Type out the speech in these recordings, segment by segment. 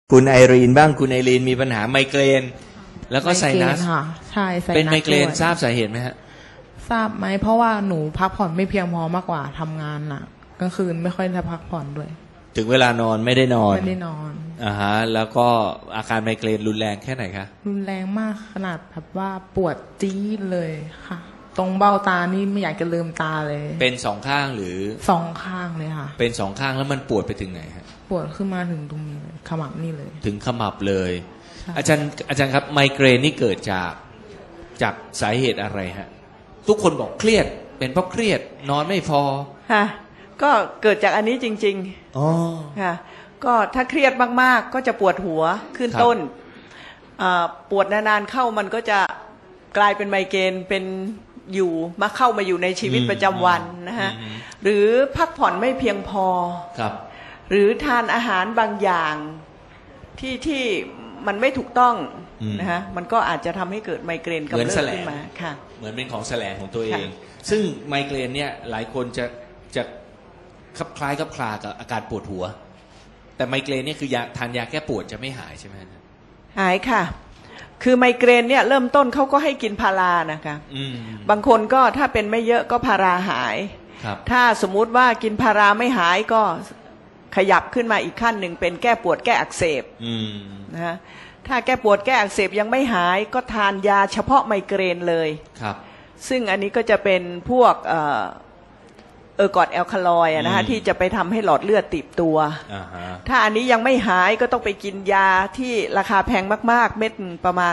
คุณไอรีนบ้างคุณไอรีนมีปัญหาไมเกรนแล้วก็ไซนัสค่ะใช่ไซนัสเป็นไมเกรนทราบสาเหตุไหมฮะทราบไหมเพราะว่าหนูพักผ่อนไม่เพียงพอมากกว่าทำงานน่ะกลางคืนไม่ค่อยได้พักผ่อนด้วยถึงเวลานอนไม่ได้นอนไม่ได้นอนฮะแล้วก็อาการไมเกรนรุนแรงแค่ไหนคะรุนแรงมากขนาดแบบว่าปวดจี๊ดเลยค่ะตรงเบ้าตานี่ไม่อยากจะลืมตาเลยเป็นสองข้างหรือสองข้างเลยค่ะเป็นสองข้างแล้วมันปวดไปถึงไหนฮะปวดขึ้นมาถึงตรงนี้ขมับนี่เลยถึงขมับเลยอาจารย์ครับไมเกรนนี่เกิดจากสาเหตุอะไรฮะทุกคนบอกเครียดเป็นเพราะเครียดนอนไม่พอค่ะก็เกิดจากอันนี้จริงๆอ๋อค่ะก็ถ้าเครียดมากๆก็จะปวดหัวขึ้นต้นปวดนานๆเข้ามันก็จะกลายเป็นไมเกรนเป็นอยู่เข้ามาอยู่ในชีวิตประจำวันนะฮะหรือพักผ่อนไม่เพียงพอครับหรือทานอาหารบางอย่างที่มันไม่ถูกต้องนะฮะมันก็อาจจะทำให้เกิดไมเกรนกำเริบขึ้นมาค่ะเหมือนเป็นของแสลงของตัวเองซึ่งไมเกรนเนี่ยหลายคนจะคล้ายกับคลากับอาการปวดหัวแต่ไมเกรนเนี่ยคือยาทานยาแก้ปวดจะไม่หายใช่ไหมหายค่ะคือไมเกรนเนี่ยเริ่มต้นเขาก็ให้กินพารานะคะบางคนก็ถ้าเป็นไม่เยอะก็พาราหายถ้าสมมุติว่ากินพาราไม่หายก็ขยับขึ้นมาอีกขั้นหนึ่งเป็นแก้ปวดแก้อักเสบนะฮะถ้าแก้ปวดแก้อักเสบยังไม่หายก็ทานยาเฉพาะไมเกรนเลยครับซึ่งอันนี้ก็จะเป็นพวกกอดแอลคาลอยด์นะฮะที่จะไปทำให้หลอดเลือดตีบตัวถ้าอันนี้ยังไม่หายก็ต้องไปกินยาที่ราคาแพงมากๆเม็ดประมาณ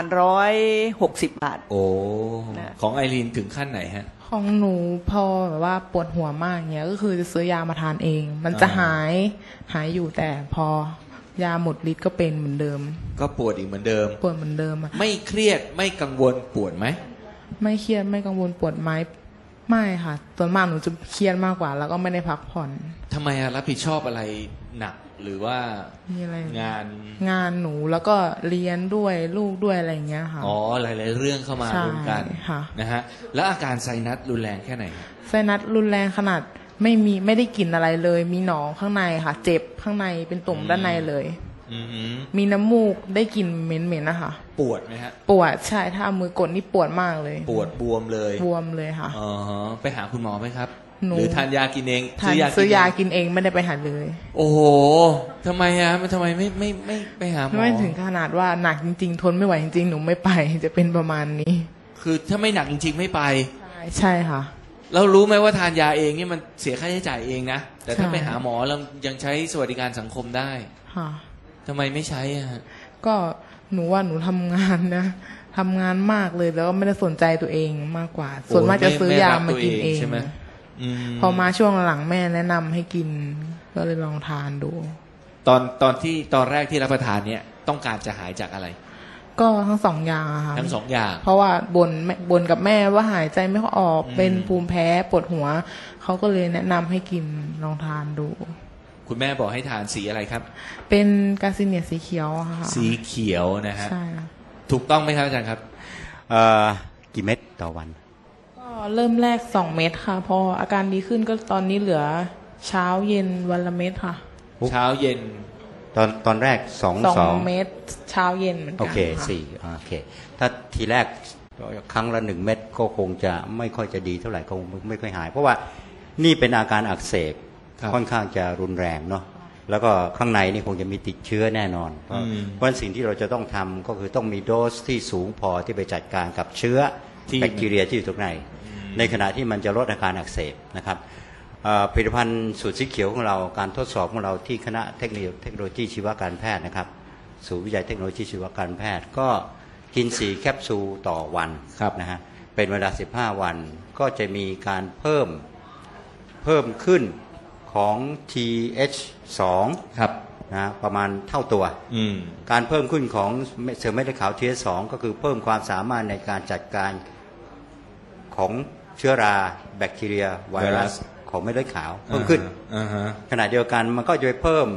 160 บาทโอ้ของไอรีนถึงขั้นไหนฮะของหนูพอแบบว่าปวดหัวมากเงี้ยก็คือจะซื้อยามาทานเองมันจะหายอยู่แต่พอยาหมดฤทธิ์ก็เป็นเหมือนเดิมก็ปวดอีกเหมือนเดิมปวดเหมือนเดิมไม่เครียดไม่กังวลปวดไหมไม่เครียดไม่กังวลปวดไหมไม่ค่ะส่วนมากหนูจะเครียดมากกว่าแล้วก็ไม่ได้พักผ่อนทำไมรับผิดชอบอะไรหนักหรือว่ามีอะไรงานหนูแล้วก็เรียนด้วยลูกด้วยอะไรอย่างเงี้ยค่ะอ๋อหลายๆเรื่องเข้ามารวมกันนะฮะแล้วอาการไซนัสรุนแรงแค่ไหนไซนัสรุนแรงขนาดไม่ได้กลิ่นอะไรเลยมีหนองข้างในค่ะเจ็บข้างในเป็นตุ่มด้านในเลยมีน้ำมูกได้กลิ่นเหม็นๆนะคะปวดไหมฮะปวดใช่ถ้าเอามือกดนี่ปวดมากเลยปวดบวมเลยค่ะอ๋อไปหาคุณหมอไหมครับหรือทานยากินเองซื้อยากินเองไม่ได้ไปหาเลยโอ้โหทำไมฮะมันทำไมไม่ไปหาหมอไม่ถึงขนาดว่าหนักจริงๆทนไม่ไหวจริงๆหนูไม่ไปจะเป็นประมาณนี้คือถ้าไม่หนักจริงๆไม่ไปใช่ค่ะเรารู้ไหมว่าทานยาเองนี่มันเสียค่าใช้จ่ายเองนะแต่ถ้าไปหาหมอเรายังใช้สวัสดิการสังคมได้ค่ะทำไมไม่ใช้อ่ะก็หนูว่าหนูทำงานนะทำงานมากเลยแล้วก็ไม่ได้สนใจตัวเองมากกว่าส่วนมากจะซื้อยามากินเองพอมาช่วงหลังแม่แนะนำให้กินก็เลยลองทานดูตอนแรกที่รับประทานเนี่ยต้องการจะหายจากอะไรก็ทั้งสองอย่างค่ะทั้งสองอย่างเพราะว่าบ่นกับแม่ว่าหายใจไม่ค่อยออกเป็นภูมิแพ้ปวดหัวเขาก็เลยแนะนำให้กินลองทานดูคุณแม่บอกให้ทานสีอะไรครับเป็นกาซิเนียสีเขียวค่ะสีเขียวนะฮะใช่ถูกต้องไหมครับอาจารย์ครับกี่เม็ดต่อวันก็เริ่มแรก2 เม็ดค่ะพออาการดีขึ้นก็ตอนนี้เหลือเช้าเย็นวันละเม็ดค่ะเช้าเย็นตอนแรก2 เม็ดเช้าเย็นเหมือนกันโอเค4โอเคถ้าทีแรกครั้งละ1 เม็ดก็คงจะไม่ค่อยจะดีเท่าไหร่คงไม่ค่อยหายเพราะว่านี่เป็นอาการอักเสบค่อนข้างจะรุนแรงเนาะแล้วก็ข้างในนี่คงจะมีติดเชื้อแน่นอนเพราะสิ่งที่เราจะต้องทำก็คือต้องมีโดสที่สูงพอที่ไปจัดการกับเชื้อแบคทีเรียที่อยู่ตรงในขณะที่มันจะลดอาการอักเสบนะครับผลิตภัณฑ์สูตรสีเขียวของเราการทดสอบของเราที่คณะเทคโนโลยีชีวการแพทย์นะครับศูนย์วิจัยเทคโนโลยีชีวการแพทย์ก็กิน4 แคปซูลต่อวันนะฮะเป็นเวลา15 วันก็จะมีการเพิ่มขึ้นของ TH2 ครับนะประมาณเท่าตัวการเพิ่มขึ้นของเซลล์เม็ดเลือดขาว TH2 ก็คือเพิ่มความสามารถในการจัดการของเชื้อราแบคทีเรียไวรัสของเม็ดเลือดขาวเพิ่มขึ้นขณะเดียวกันมันก็จะเพิ่ม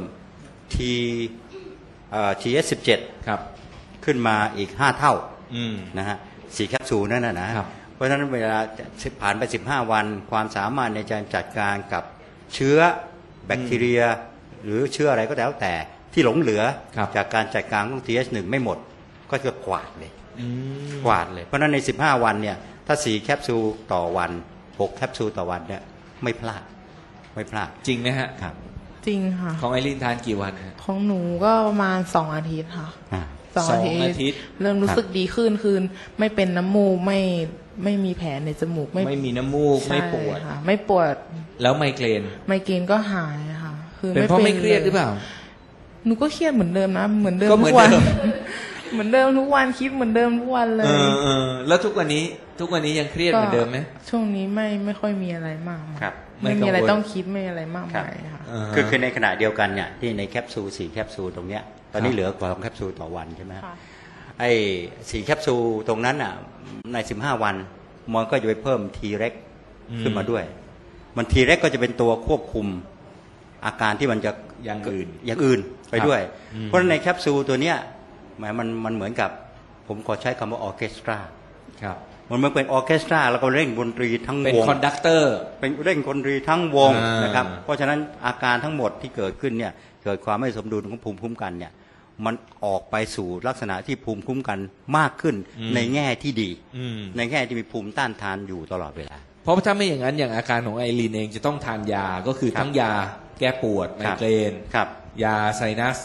TH17 ครับขึ้นมาอีก5 เท่านะฮะ4 แคปซูลนั่นนะเพราะฉะนั้นเวลาผ่านไป15 วันความสามารถในการจัดการกับเชื้อแบคทีเรียหรือเชื้ออะไรก็แล้วแต่ที่หลงเหลือจากการจัดการของ TH1 ไม่หมดก็จะกวาดเลยกวาดเลยเพราะฉะนั้นใน15วันเนี่ยถ้า4แคปซูลต่อวัน6แคปซูลต่อวันเนี่ยไม่พลาดจริงไหมฮะครับจริงค่ะของไอรินทานกี่วันฮะของหนูก็ประมาณ2 อาทิตย์ค่ะ 2 อาทิตย์เริ่มรู้สึกดีขึ้นคือไม่เป็นน้ำมูกไม่มีแผลในจมูกไม่มีน้ำมูกไม่ปวดไม่ปวดแล้วไมเกรนก็หายค่ะคือเป็นเพราะไม่เครียดหรือเปล่าหนูก็เครียดเหมือนเดิมนะเหมือนเดิมทุกวันเหมือนเดิมทุกวันคิดเหมือนเดิมทุกวันเลยแล้วทุกวันนี้ยังเครียดเหมือนเดิมไหมช่วงนี้ไม่ค่อยมีอะไรมากครับไม่มีอะไรต้องคิดไม่อะไรมากมายค่ะคือในขณะเดียวกันเนี่ยที่ในแคปซูล4แคปซูลตรงเนี้ยตอนนี้เหลือกว่า2แคปซูลต่อวันใช่ไหมไอ้4แคปซูลตรงนั้นอ่ะใน15วันมันก็จะไปเพิ่ม T-REX ขึ้นมาด้วยมัน T-REX ก็จะเป็นตัวควบคุมอาการที่มันจะอย่างอื่นไปด้วยเพราะในแคปซูลตัวเนี้ยมันเหมือนกับผมขอใช้คำว่าออร์เคสตราครับมันเหมือนเป็นออร์เคสตราแล้วก็เร่งดนตรีทั้งวงเป็นคอนดักเตอร์เป็นเร่งดนตรีทั้งวงนะครับเพราะฉะนั้นอาการทั้งหมดที่เกิดขึ้นเนี่ยเกิดความไม่สมดุลของภูมิคุ้มกันเนี่ยมันออกไปสู่ลักษณะที่ภูมิคุ้มกันมากขึ้นในแง่ที่ดีในแง่ที่มีภูมิต้านทานอยู่ตลอดเวลาเพราะถ้าไม่อย่างนั้นอย่างอาการของไอรีนเองจะต้องทานยาก็คือทั้งยาแก้ปวดไมเกรนยาไซนัส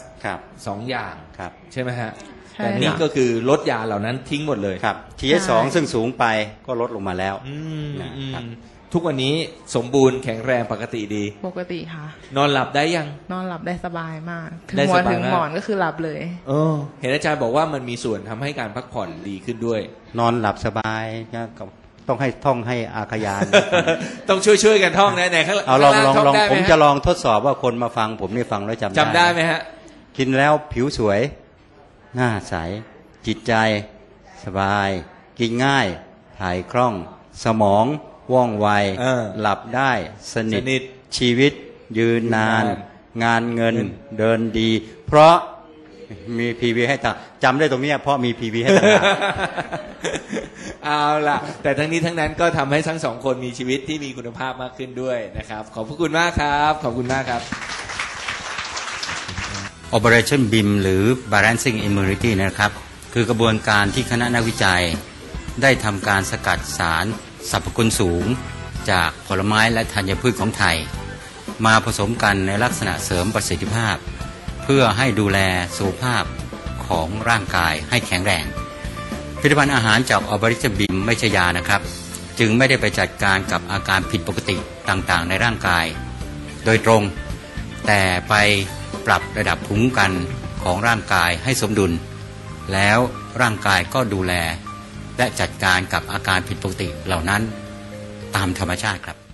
2 อย่างใช่ไหมฮะแต่นี่ก็คือลดยาเหล่านั้นทิ้งหมดเลยครับ TH2 ซึ่งสูงไปก็ลดลงมาแล้วทุกวันนี้สมบูรณ์แข็งแรงปกติดีปกติค่ะนอนหลับได้ยังนอนหลับได้สบายมากถึงหัวถึงหมอนก็คือหลับเลยเห็นอาจารย์บอกว่ามันมีส่วนทำให้การพักผ่อนดีขึ้นด้วยนอนหลับสบายต้องให้ท่องให้อาขยานต้องช่วยกันท่องนะไหนข้างเอาลองผมจะลองทดสอบว่าคนมาฟังผมนี่ฟังแล้วจำได้ไหมฮะกินแล้วผิวสวยหน้าใสจิตใจสบายกินง่ายถ่ายคล่องสมองว่องไวหลับได้สนิทชีวิตยืนนานงานเงินเดินดีเพราะมีพีวีให้ต่างจำได้ตรงนี้เพราะมีพีวีให้ต่างเอาล่ะแต่ทั้งนี้ทั้งนั้นก็ทำให้ทั้ง2 คนมีชีวิตที่มีคุณภาพมากขึ้นด้วยนะครับขอบพระคุณมากครับขอบคุณมากครับ Operation BIM หรือ Balancing Immunity นะครับคือกระบวนการที่คณะนักวิจัยได้ทำการสกัดสารสรรพคุณสูงจากผลไม้และธัญพืชของไทยมาผสมกันในลักษณะเสริมประสิทธิภาพเพื่อให้ดูแลสุขภาพของร่างกายให้แข็งแรงผลิตภัณฑ์อาหารจาก Operation BIM ไม่ใช่ยานะครับจึงไม่ได้ไปจัดการกับอาการผิดปกติต่างๆในร่างกายโดยตรงแต่ไปปรับระดับภูมิคุ้มกันของร่างกายให้สมดุลแล้วร่างกายก็ดูแลและจัดการกับอาการผิดปกติเหล่านั้นตามธรรมชาติครับ